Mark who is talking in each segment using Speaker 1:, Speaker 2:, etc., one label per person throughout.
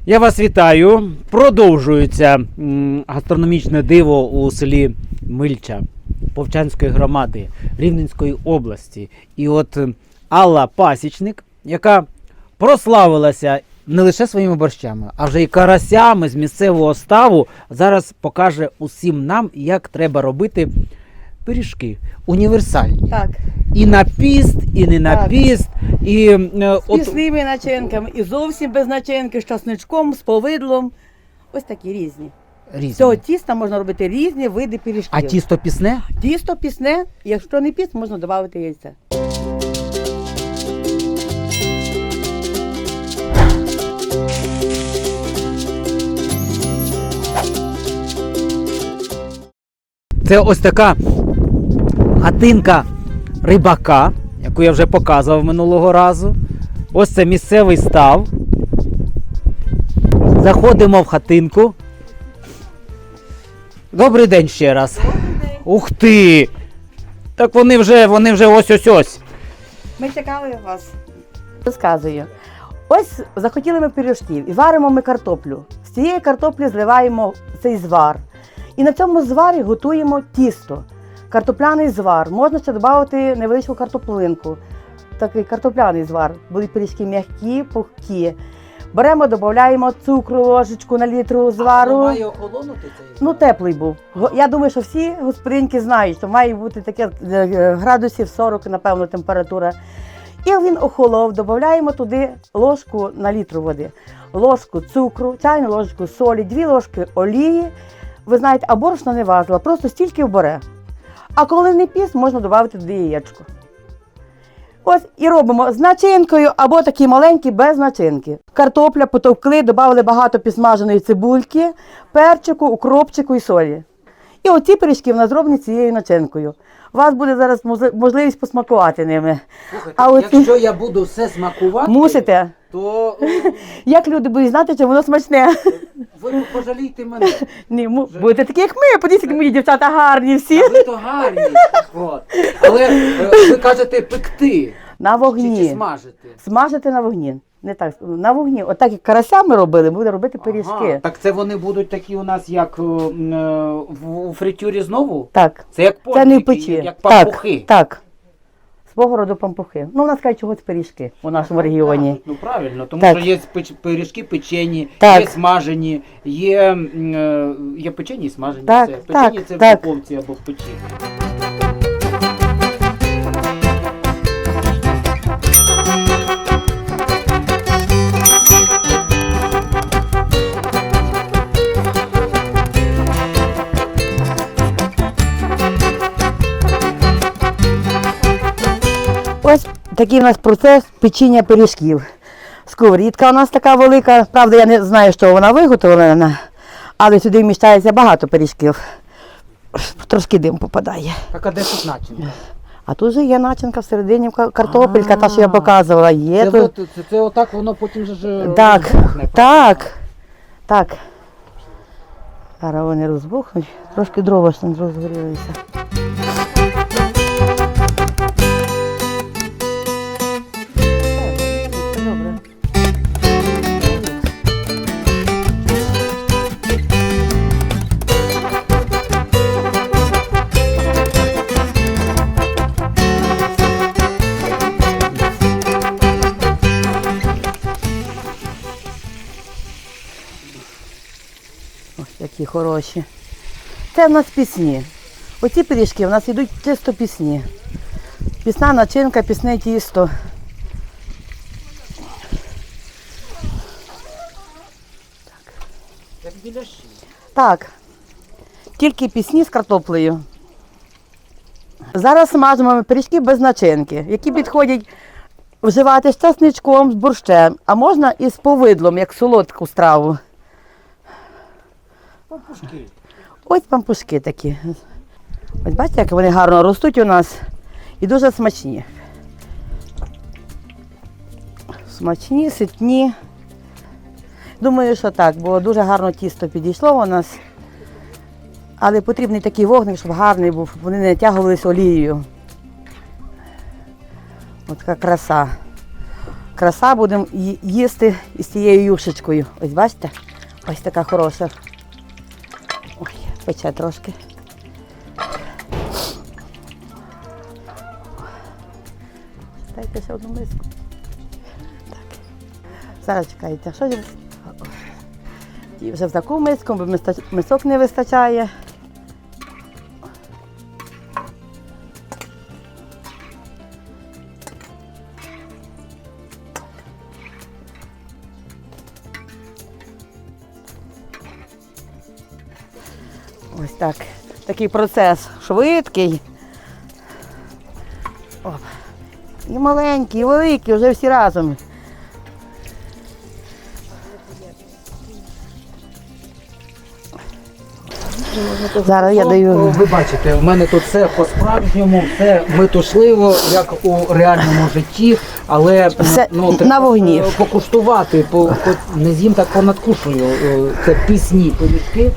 Speaker 1: Я вас вітаю. Продовжується гастрономічне диво у селі Мильча Повчанської громади Рівненської області. І от Алла Пасічник, яка прославилася не лише своїми борщами, а вже й карасями з місцевого ставу, зараз покаже усім нам, як треба робити пиріжки універсальні.
Speaker 2: Так.
Speaker 1: І на піст, і не на
Speaker 2: Так.
Speaker 1: піст. І,
Speaker 2: З пісними начинками, і зовсім без начинки, з часничком, з повидлом. Ось такі різні.
Speaker 1: різні.
Speaker 2: З цього тіста можна робити різні види пиріжків.
Speaker 1: А тісто пісне?
Speaker 2: Тісто пісне, якщо не піст, можна додати яйця.
Speaker 1: Це ось така хатинка рибака, яку я вже показував минулого разу. Ось це місцевий став. Заходимо в хатинку. Добрий день ще раз. Ух ти! Так вони вже ось-ось-ось.
Speaker 2: Ми чекали вас. Розказую. Ось захотіли ми пиріжків і варимо ми картоплю. З цієї картоплі зливаємо цей звар. І на цьому зварі готуємо тісто. Картопляний звар. Можна ще додати невеличку картоплинку. Такий картопляний звар. Будуть пиріжки м'які, пухкі. Беремо, додаємо цукру, ложечку на літру звару.
Speaker 1: має охолонути цей звар?
Speaker 2: Ну, теплий був. Я думаю, що всі господинки знають, що має бути таке градусів 40, напевно, температура. І він охолов, додаємо туди ложку на літру води, ложку цукру, чайну ложку солі, 2 ложки олії. Ви знаєте, а борошна не важила, просто стільки вбере. А коли не піс, можна додати туди яєчко. Ось і робимо з начинкою або такі маленькі без начинки. Картопля потовкли, додали багато підсмаженої цибульки, перчику, укропчику і солі. І оці пиріжки в нас зроблені цією начинкою. У вас буде зараз можливість посмакувати ними.
Speaker 1: Слухайте, якщо я буду все смакувати,
Speaker 2: Мусите.
Speaker 1: то
Speaker 2: Як люди будуть знати, чи воно смачне?
Speaker 1: ви пожалійте мене.
Speaker 2: Ні, будете такі, як ми. Подивіться, як мої дівчата гарні всі.
Speaker 1: А ви то гарні. От. Але ви кажете пекти.
Speaker 2: На
Speaker 1: Чи
Speaker 2: вогні.
Speaker 1: смажити?
Speaker 2: Смажити на вогні. Не так, на вогні. Отак, як карася ми робили, будемо робити пиріжки.
Speaker 1: Ага, так це вони будуть такі у нас, як у фритюрі знову?
Speaker 2: Так.
Speaker 1: Це як
Speaker 2: Це не в
Speaker 1: пончики,
Speaker 2: печі.
Speaker 1: як пампухи.
Speaker 2: Так. Свого роду пампухи. Ну, у нас кажуть, чогось пиріжки у нашому регіоні.
Speaker 1: Ну правильно, тому
Speaker 2: Так.
Speaker 1: що є пиріжки печені,
Speaker 2: Так.
Speaker 1: є смажені, є печені і смажені.
Speaker 2: Так,
Speaker 1: Все. Печені
Speaker 2: так,
Speaker 1: це в
Speaker 2: так.
Speaker 1: духовці або в печі.
Speaker 2: Ось такий у нас процес печіння пиріжків. Сковорідка у нас така велика. Правда, я не знаю, що вона виготовлена, але сюди вміщається багато пиріжків. Трошки дим попадає.
Speaker 1: Так, а де тут начинка?
Speaker 2: А тут же є начинка всередині, картопелька, та, що я показувала. Є
Speaker 1: Це,
Speaker 2: тут.
Speaker 1: це отак воно потім же
Speaker 2: Так,
Speaker 1: розбухне,
Speaker 2: так, так. Зараз вони розбухнуть. Трошки дрова ж не розгорілися. Добре. Ось такі хороші. Це в нас пісні. Оці пиріжки в нас йдуть чисто пісні. Пісна начинка, пісне тісто.
Speaker 1: Як біляші.
Speaker 2: Так. Тільки пісні з картоплею. Зараз смажимо пиріжки без начинки, які підходять вживати з часничком, з борщем, а можна і з повидлом, як солодку страву.
Speaker 1: Пампушки.
Speaker 2: Ось пампушки такі. Ось бачите, як вони гарно ростуть у нас і дуже смачні. Смачні, ситні. Думаю, що так, бо дуже гарно тісто підійшло у нас. Але потрібний такий вогник, щоб гарний був, щоб вони не натягувалися олією. Ось така краса. краса, будемо їсти із цією юшечкою. Ось бачите? Ось така хороша. Ой, пече трошки. Дайте ще одну миску. Так. Зараз чекайте, що ж? І вже в таку миску, бо мисок не вистачає. Ось так. Такий процес швидкий. Оп. І маленький, і великий, вже всі разом. Зараз я даю.
Speaker 1: Ви бачите, в мене тут все по-справжньому, все метушливо, як у реальному житті, але
Speaker 2: Все
Speaker 1: ну,
Speaker 2: на вогні.
Speaker 1: покуштувати, не з'їм так понадкушую. Це пісні пиріжки.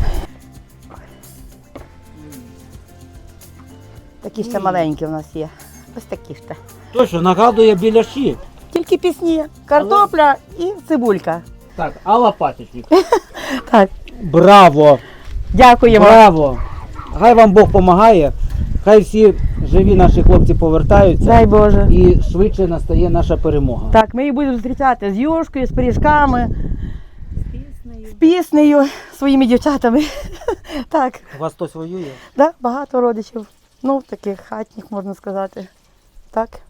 Speaker 2: Такі ще маленькі у нас є. Ось такі ще.
Speaker 1: Точно, нагадує біляші.
Speaker 2: Тільки пісні. Картопля і цибулька.
Speaker 1: Так, Алла Пасічник.
Speaker 2: Так.
Speaker 1: Браво!
Speaker 2: Дякуємо.
Speaker 1: Браво! Хай вам Бог допомагає, хай всі живі наші хлопці повертаються
Speaker 2: Дай Боже.
Speaker 1: і швидше настає наша перемога.
Speaker 2: Так, ми їх будемо зустрічати з юшкою, з пиріжками, з піснею, своїми дівчатами. Так,
Speaker 1: У вас хтось воює?
Speaker 2: да, багато родичів. Ну, таких хатніх, можна сказати. Так.